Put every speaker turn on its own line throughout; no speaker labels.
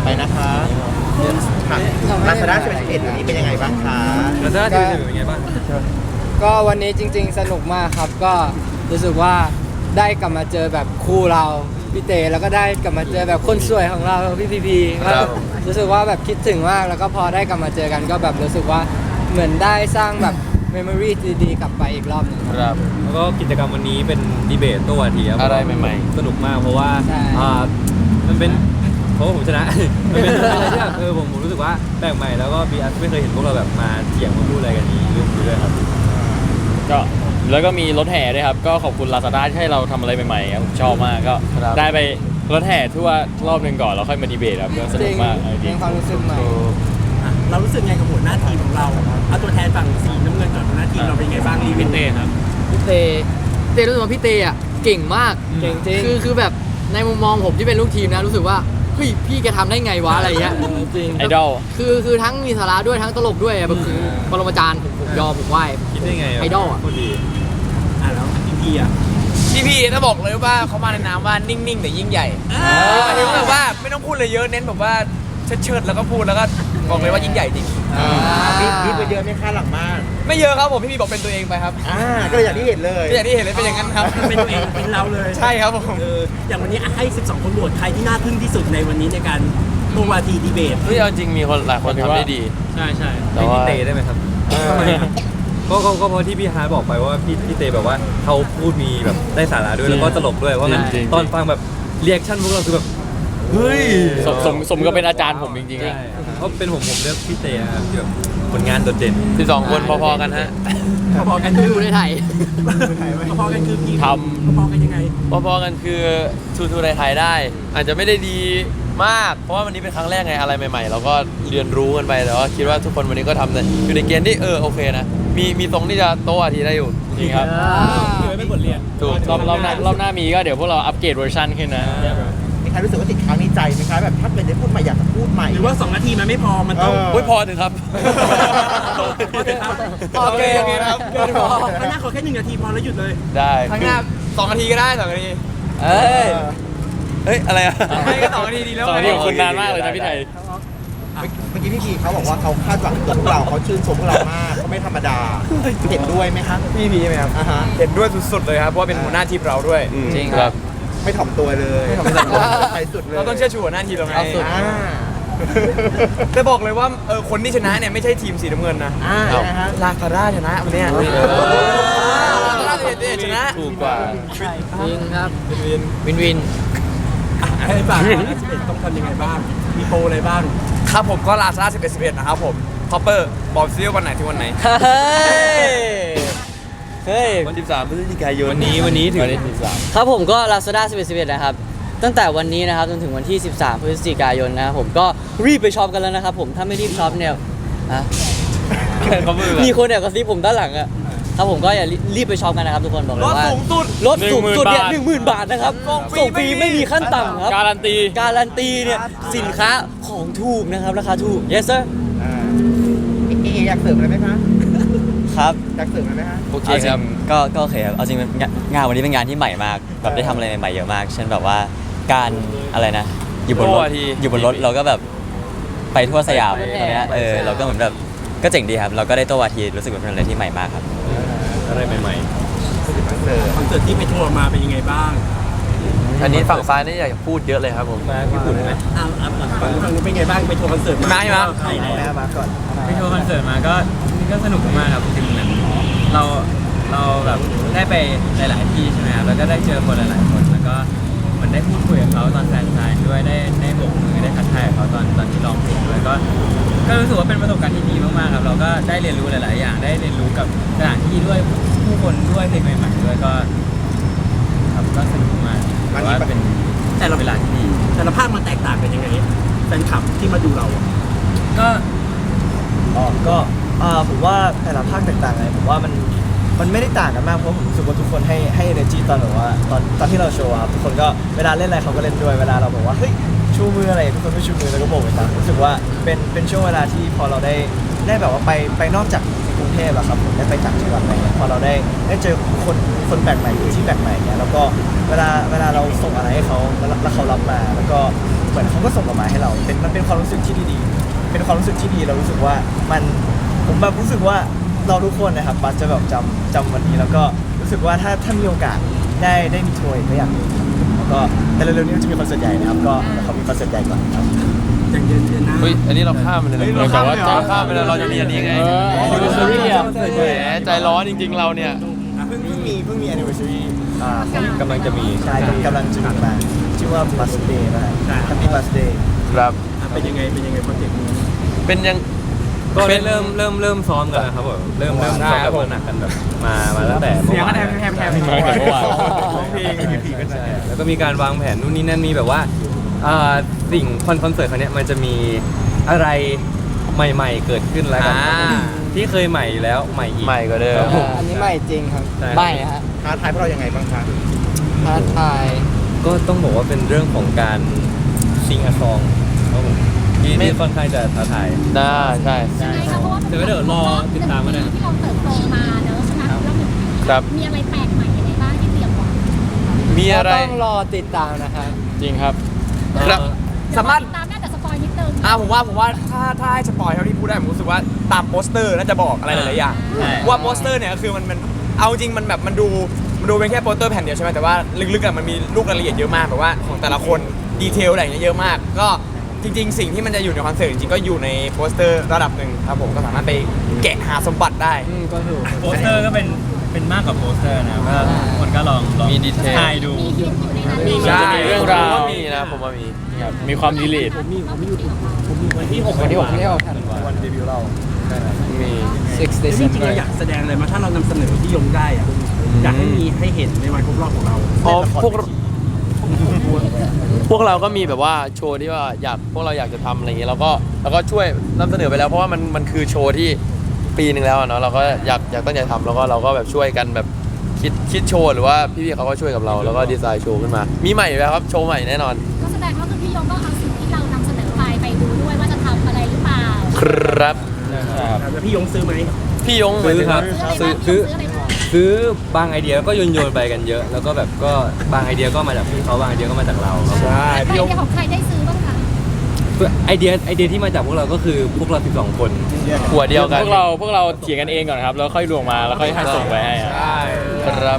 ไปนะคะลาซาด้า11วันนี้เป็นยังไงบ้างคะ
แล้วจะได้เป็นยังไงบ้าง
ก็วันนี้จริงๆสนุกมากครับก็รู้สึกว่าได้กลับมาเจอแบบคู่เราพี่เตแล้วก็ได้กลับมาเจอแบบคนสวยของเราพี่พีก็รู้สึกว่าแบบคิดถึงมากแล้วก็พอได้กลับมาเจอกันก็แบบรู้สึกว่าเหมือนได้สร้างแบบเมมโมรีดีๆกลับไปอีกรอบหนึง
ครับ
แล้วก็กิจกรรมวันนี้เป็นดีเบตโต้วาทีครับ
อะไรใหม่ๆ
สนุกมากเพราะว่ามันเป็นเพราะว่าผมชนะ มันเป็นอะไรที่แบบผมรู้สึกว่าแปลกใหม่แล้วก็บีอาร์ไม่เคยเห็นพวกเราแบบมาเถียงมาพูดอะไรกันนี้ด้วยครับ
ก็แล้วก็มีรถแห่ด้วยครับ ก็ขอบคุณ Lazada ที่ให้เราทำอะไรใหม่ๆครับผมชอบมากก็ได้ไปรถแห่ทั่วรอบหนึ่งก่อนแล้วค่อยมาดีเบตครับก็สนุกมาก
เป็นความรู้สึกใหม่
เรารู้สึกไงกับหัวหน้าทีมของเราเอาตัวแทนฝั่งสีน้ำเงินก่อนหัวหน้าทีมเราเป็นไงบ้างรีวิว
เต้ครับ
พี่เต้รู้สึกว่าพี่เต้อะเก่งมาก
เก่งจริง
คือแบบในมุมมองผมที่เป็นลูกทีมนะรู้สึกว่าเฮ้ยพี่แกทำได้ไงวะอะไรเงี้ย
จริง
ไอดอล
คือทั้งมีสาระด้วยทั้งตลกด้วยอะแบบคือปรมาจารย์ผมยอมผมไหว้
คิดได้ไง
ไอดอลอะ
โคตรดี
แล้วพี่อ่ะ
พี่ถ้าบอกเลยว่าเขามาในนามว่านิ่งๆแต่ยิ่งใหญ่หมายถึงแบบว่าไม่ต้องพูดเลยเยอะเน้นแบบว่าเชิดๆแล้วก็พูดแล้วก็บอกเลยว่ายิ่งใหญ่จริง
บีบไปเยอะไหมคะหลังบ้าน
ไม่เยอะครับผมพี่บอกเป็นตัวเองไปครับ
ก็เลยอย่างที่เห็นเลย
ก็อย่างที่เห็นเลยเป็นอย่างนั้นครับ
เป็นตัวเองเป็นเราเลย
ใช่ครับผม
อย่างวันนี้ให้ 12 คนโหวตใครที่น่าทึ่งที่สุดในวันนี้ในการโต้วาทีดีเบต
เฮ้ยเอาจริงมีคนหลายคนทำได้ดี
ใช่ใช่
แต่
ให้
ว่า
พี่เต้ได้ไหมครับก็เพราะที่พี่ฮาร์ดบอกไปว่าพี่เต้แบบว่าเขาพูดมีแบบได้สาระด้วยแล้วก็ตลกด้วยเพราะงั้น
จริงๆ
ตอนฟังแบบเรีแอคชั่นพวกเราคือแบบเฮ้ย
สมก็เป็นอาจารย์ผมจริงๆ
ใช่
อะ
เพราะเป็นผมเลือกพี่เต้ครับที่แบบผลงานโดดเด่น
12 คนพอๆกันฮะ
พอๆกัน
ดูในไทย
พอๆกันคือกี่
ท
พอๆกันยังไง
พอๆกันคือทูไทยได้ อาจจะไม่ได้ดีมาก เพราะว่าวันนี้เป็นครั้งแรกไงอะไรใหม่ๆเราก็เรียนรู้กันไปแต่ว่าคิดว่าทุกคนวันนี้ก็ทำอยู่ในเกณฑ์ที่โอเคนะมีตรงที่จะโตอาทีได้อยู่จริงครับ
คือเป็นบทเรียน
ถูกรอบหน้ามีก็เดี๋ยวพวกเราอัปเกรดเวอร์ชันขึ้นนะ
มีใครรู้สึกว่าติดค้างในใจไหมคะแบบถ้าเป็นได้พูดใหม่อยากจะพูดใหม่
หรือว่า 2 นาทีมันไม่พอมันต้อง
เออ
โอ้ยพอถึงครับ
โอเคครับ
ข้างหน้าขอแค่1 นาทีพอแล้วหยุดเลย
ได้
ข้างหน้า2 นาทีก็ได้2 นาที
เฮ้ยอะไรอะ
ไม่ก็2 นาทีดีแล้ว
สองนาทีของคุณนานมากเลยนะพี่ไทย
เมื่อกี้พี่พีเขาบอกว่าเขาคาดหวังกับพวกเราเขาชื่นชมพวกเรามากเขาไม่ธรรมดาเห็นด้วยไหมคะ
พี่ใช่ไหมครับ
ฮะ
เห็นด้วยสุดๆเลยครับเพราะว่าเป็นหัวหน้าทีมเราด้วย
จริงครับ
ไม่ถ่อมตัวเลยใครสุดเลย
เราต้องเชื่อชูหัวหน้าทีมเราไง
เอาสุด
แต่บอกเลยว่าคนที่ชนะเนี่ยไม่ใช่ทีมสีน้ำเงินนะ
นะฮะ
ลาคาร่าชนะวันเนี้ยลาคาร่าชนะ
ถูกกว่า
จริงครับวิน
ให้ฝาก11ต้องทำยังไงบ้าง มีโปรอะไรบ้าง
ครับผมก็ลาซาร่า11นะครับผมคอปเปอร์บอกซิว่าวันไหนถึงวันไหน
เฮ้ยวันที่13พฤศจิกายน
วันนี้ถึง
วันที่13
ครับผมก็ Lazada 11นะครับตั้งแต่วันนี้นะครับจนถึงวันที่ 13 พฤศจิกายนนะครับผมก็รีบไปช็อปกันแล้วนะครับผมถ้าไม่รีบช็อปเนี่ยมีคนแอบกระซิบผมด้านหลังอะครับผมก็อย่ารีบไปช็อปกันนะครับทุกคนบอกเลยว่า
ลดสูงสุด
ลดสูงสุดเนี่ย
10,000
10,000 บาทนะครับส่งฟรีไม่มีขั้นต่ำครับ
การันตี
การันตีเนี่ยสินค้าของถูกนะครับราคาถูก yes sir
อยากเสริมอะไรไหมคะ
ครับ
อยากเสริมอะไรไหมคะ
โอเค
เอาจริ
ครับ
งก็โอเคครับเอาจริงงานวันนี้เป็นงานที่ใหม่มากแบบได้ทำอะไรใหม่ๆเยอะมาก เช่นแบบว่าการอะไรนะอยู่บนร
โอ้
ถ
อาทิ
อยู่บนรถเราก็แบบไปทั่วสยาม
ไป
ตรงเนี้ย
ไปสยาม
เราก็เหมือนแบบก็เจ๋งดีครับ เราก็ได้โต้วาทีรู้สึกว่าเป็นอะไรที่ใหม่มากครับ
อะไรใหม่
คอนเสิร์ตที่ไปทัวร์มาเป็นยังไงบ้าง
อันนี้ฝั่งซ้ายนี่อยากพูดเยอะเลยครับผม
ๆมาญี่ปุ่นไหม
ฝั่งนู้นเป็นไงบ้างไปทัวร์คอนเสิร์ต
มาใช่ไหม
ใช่แล้ว
มาก่อน
ไปทัวร์คอนเสิร์ตมาก็สนุกมากครับจริงๆเหมือนเราแบบได้ไปหลายๆที่ใช่ไหมครับแล้วก็ได้เจอคนหลายๆคนแล้วก็เหมือนได้พูดคุยกับเขาตอนแฟนซายด้วยได้โบกมือได้ทักทายกับเขาตอนที่ร้องเพลงด้วยก็รู้สึกว่าเป็นประสบการณ์ที่ดีมากๆครับเราก็ได้เรียนรู้หลายๆอย่างได้เรียนรู้กับสถานที่ด้วยผู้คนด้วยเพลงใหม่ๆด้วยก็ครับก็สนุกมากแต่ว่าเป็น
แต่ละ
เวลาที่ดี
แต่ละภาคมันแตกต่างกันยังไงแฟนคลับที่มาดูเรา
ก็
ผมว่าแต่ละภาคแตกต่างไงผมว่ามันไม่ได้ต่างกันมากเพราะผมรู้สึกว่าทุกคนให้ energy ตอนแบบว่าตอนที่เราโชว์ครับทุกคนก็เวลาเล่นอะไรเขาก็เล่นด้วยเวลาเราบอกว่าเฮ้ยชูมืออะไรทุกคนก็ชูมือแล้วก็โบกไปตามรู้สึกว่าเป็นช่วงเวลาที่พอเราได้แบบว่าไปนอกจากสิ่งกรุงเทพอะครับผมได้ไปต่างจังหวัดอะไรเงี้ยพอเราได้เจอคนแปลกใหม่ที่แปลกใหม่เงี้ยแล้วก็เวลาเราส่งอะไรให้เขาแล้วเขารับมาแล้วก็เหมือนเขาก็ส่งกลับมาให้เรามันเป็นความรู้สึกที่ดีๆเป็นความรู้สึกที่ดีเรารู้สึกว่าผมแบบรู้สึกว่าเราทุกคนนะครับบัสจะแบบจำวันนี้แล้วก็รู้สึกว่าถ้ามีโอกาสได้มีทัวร์อีกก็อยากมีแล้วก็แต่เร็วๆนี้จะมีคอนเสิร์ตใหญ่นะครับก็เขามีคอนเสิร์ตใหญ่ก่อนครับ
อย่างเดือนหน้า
เฮ้ยอันนี้เราข้ามไปเลยนะแต่ว่าจะข้ามไปเลยเราจะมีอันนี้ไง
anniversary อ่ะ
แหมใจร้อนจริงๆเราเนี่ย
เพิ่งมี anniversary
กำลังจะมี
ใช่กำลังจะมีมาชื่อว่า birthday นะ Happy birthday
ครับ
เป็นยังไงโปรเจกต์นี้
เป็นยัง
ก็ได้เริ่มซ้อมกันแล้วครับผมเริ่มซ้อมแบบหนักกันแบบมาตั้งแต่เมื่อวาน
ร้องเพลง
ใช่แล้วก็มีการวางแผนนู่นนี่นั่นมีแบบว่าสิ่งคอนเสิร์ตครั้งเนี้ยมันจะมีอะไรใหม่ๆเกิดขึ้นแล้วกันครับผมที่เคยใหม่อยู่แล้วใหม่อีก
ใหม่กว่าเดิม
อันนี้ใหม่จริงครับ
ใช่
ใบ้ฮะ
ท้าทายพวกเรายังไงบ้างคะ
ท้าทาย
ก็ต้องบอกว่าเป็นเรื่องของการซิงอะซองครับผมที่ค่อนข้างจะท้าทาย
น่าใช่
ใช่ค่ะเพราะว่า
เดี๋ยวรอติดตามกันนะ
ที่เราเติบโตมาเนอะใช่ไหมแล้วหนึ่ง
ครับ
มีอะไรแปลกใหม่ยังไงบ้างที่เตรียมไว้
มีอะไร
ต้องรอติดตามนะครับ
จริงครับ
ครับ
สามารถ
ตามได้แต่สปอยนิดนึง
ผมว่าถ้าให้สปอยเท่าที่พูดได้ผมรู้สึกว่าตามโปสเตอร์น่าจะบอกอะไรหลายๆอย่าง
ใช่
ว่าโปสเตอร์เนี่ยคือมันเอาจริงมันแบบมันดูเป็นแค่โปสเตอร์แผ่นเดียวใช่ไหมแต่ว่าลึกๆอะมันมีลูกรายละเอียดเยอะมากแบบว่าของแต่ละคนดีเทลอะไรอย่างเงี้ยเยอะมาก ก็จริงๆ สิ่งที่มันจะอยู่ในคอนเสิร์ตจริงๆก็อยู่ในโปสเตอร์ระดับหนึ่งครับผมก็สามารถไปแกะหาสมบัติได้
ก็ถูก
โปสเตอร์ก็เป็นมากกว่าโปสเตอร์นะก็ทุกคนก็ลอง
มีดีเทล
ทายดู
มีฮิตอยู่ในนั้น
ใช่
เรื่องราวก็มีนะผมว่ามี
มีความดีลีท
วันที่6
วันที่6ที่6
วันเดบิวต์เรา
มี
6
จริงๆ
December
เราอยากแสดงอะไรมาถ้าเรานำเสนอที่ยงได้อะอยากให้มีให้เห็นในวันครบรอบของเรา
อ๋อพวกเราก็มีแบบว่าโชว์ที่ว่าพวกเราอยากจะทำอะไรอย่างเงี้ยเราก็ช่วยนำเสนอไปแล้วเพราะว่ามันคือโชว์ที่ปีหนึ่งแล้วอะเนาะเราก็อยากตั้งใจทำแล้วก็เราก็แบบช่วยกันแบบคิดโชว์หรือว่าพี่ๆเขาก็ช่วยกับเราแล้วก็ดีไซน์โชว์ขึ้นมามีใหม่อยู่แล้วครับโชว์ใหม่แน่นอน
ก็แสดงว่าคือพี่ยงก็เอาสิ่งที่เรานำเสนอไปดูด้วยว่าจะทำอะไรหรือเปล่า
ครับ
แล้วพี่ยงซื้อไหม
พี่ยง
ซื้อครับ
ซื้ออะไรบ้าง
ซื้อบางไอเดียก็โยนไปกันเยอะ แล้วก็แบบก็บางไอเดียก็มาจากพี่เขาบางไอเดียก็มาจากเราครับ
ใช่ไอเดียของใครได้ซื้อบ้างคะ
ไอเดียที่มาจากพวกเราก็คือพวกเรา12 คน
หัวเดียวกัน
พวกเราเถียงกันเองก่อนครับ แล้วค่อยรวมมาแล้วค่อยให้ส่งไปให้ครับ
ครับ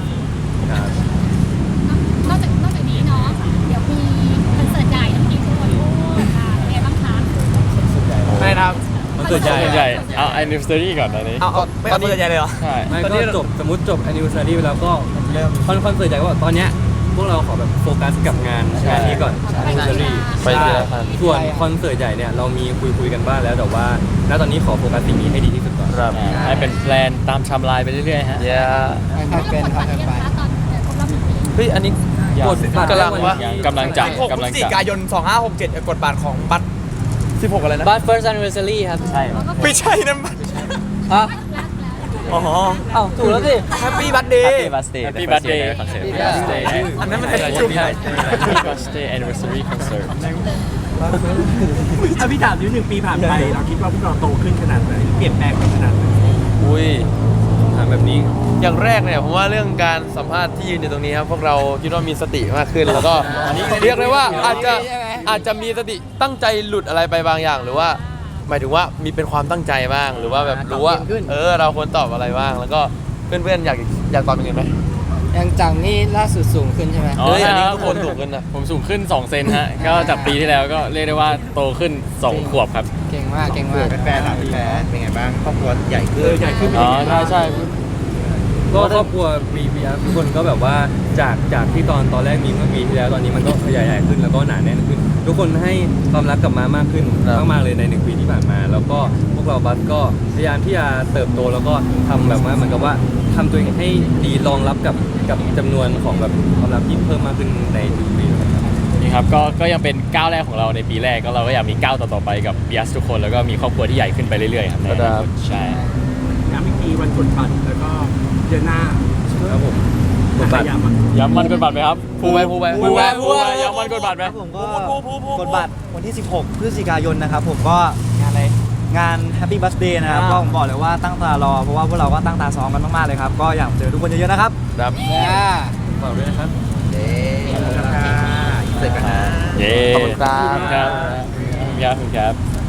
นอกจากนี้เนาะเดี๋ยวมีคอนเสิร์ตใหญ่ทั้งทีทุกคนพูดค่ะเป็นไงบ้างคะ
ไม่นะครับ
มันเกิดใหญ่
ใหญ่เอา anniversary ก่อนตอนนี้
เอาไม่เอาคอนเสิร์ตใหญ่เลยเหรอ
ใช่
ไม่ก็สมมติจบ anniversary ไปแล้วก็เริ่มคอนเสิร์ตใหญ่ก็บอกตอนเนี้ยพวกเราขอแบบโฟกัสกับงานนี้ก่อน anniversary
ไปทีละขั้น
ส่วนคอนเสิร์ตใหญ่เนี่ยเรามีคุยกันบ้างแล้วแต่ว่าณตอนนี้ขอโฟกัสสิ่งนี้ให้ดีที่สุดก่อน
ครับ
ให้เป็นแพลนตามไทม์ไลน์ไปเรื่อยๆฮะ
เย้
ไม่ต้องกดบัตรยังคะตอนครบรอบ1 ปี
เฮ้ยอันนี้
กดบัตร
กำลังวะ
กำลังจับ
16 พฤศจิกายน 2567กดบัตรของบัตร16อะไรนะ
บัต first anniversary ครับ ใช่
ไม่ใช่นะบัตร
ฮะ
อ๋อ
เอ้าถูกแล้วสิ
แฮปปี้บัตเดย์
Happy birthday
Happy
Happy
birthday
birthday concert
Happy
birthday
อันนั้นมัน
Happy
เป็นชุด
birthday anniversary concert
ถ้าพี่ถามนิด1 ปีผ่านไปเราคิดว่าพวกเราโตขึ้นขนาดไหนเปลี่ยนแปลงไปขนาดไหน
อุ้ย
ถามแบบนี้
อย่างแรกเนี่ยผมว่าเรื่องการสัมภาษณ์ที่ยืนอยู่ตรงนี้ครับพวกเราคิดว่ามีสติมากขึ้นแล้วก็เรียกเลยว่าอาจจะมีสติตั้งใจหลุดอะไรไปบางอย่าง หรือว่าหมายถึงว่ามีเป็นความตั้งใจบ้างหรือว่าแบบรู้ว่าเราควรตอบอะไรบ้างแล้วก็เพื่อนๆอยากตอบยังไงไหม
ยังจากนี่ล่าสุดสูงขึ้นใช่ไหม
อ๋อ
เฮ้ยอันนี้
ใช่
ทุกคนถูกกันนะ
ผมสูงขึ้น2เซนฮะ ก็จากปีที่แล้วก็เรียกได้ว่าโตขึ้น2ขวบครับ
เก่งมากเก่งมาก
แฟนๆล่ะแฟนเป็นไงบ้างครอบครัวใหญ่ขึ้น
ใหญ่ขึ้น
อ๋อใช่ใช่
ก็ครอบครัวมีทุกคนก็แบบว่าจากที่ตอนแรกมีเมื่อปีที่แล้วตอนนี้มันก็ขยายใหญ่ขึ้นแล้วก็หนาแน่นขึ้น ทุกคนให้ความรักกับมามากขึ้น
ครับ
มากๆเลยใน1 ปีที่ผ่านมา แล้วก็พวกเราบัสก็พยายามที่จะเติบโตแล้วก็ทำแบบว่าเหมือนกับว่าทำตัวเองให้ดีรองรับกับจำนวนของแบบความรักที่เพิ่มมากขึ้นในทุกปีเลยครับ
นี่ครับก็ยังเป็นก้าวแรกของเราในปีแรกก็เราก็อยากมีก้าวต่อๆไปกับ BIAS ทุกคนแล้วก็มีครอบครัวที่ใหญ่ขึ้นไปเรื่อยๆครับในอนาคตใช่
ย้ำอีกทีวันกดบัตรแล้วก็เดือนหน้า
ครับผมกดบัตร
ย้ำอะ
ย้ำวันกดบัตรไหมครับ
พูดไป
ย้ำวันกดบัตรไหม
ผมก็กดบัตรวันที่ 16 พฤศจิกายนนะครับผมก็งานอะไรงาน Happy Birthday นะครับก็ผมบอกเลยว่าตั้งตารอเพราะว่าพวกเราก็ตั้งตาซ้อมกันมากๆเลยครับก็อยากเจอทุกคนเยอะๆนะครับ
ครับ
ฝากด้วยนะครับ
เย้ขอบคุณค่ะเสร็จกันนะ
เย้
ขอบคุณครับ
ครับ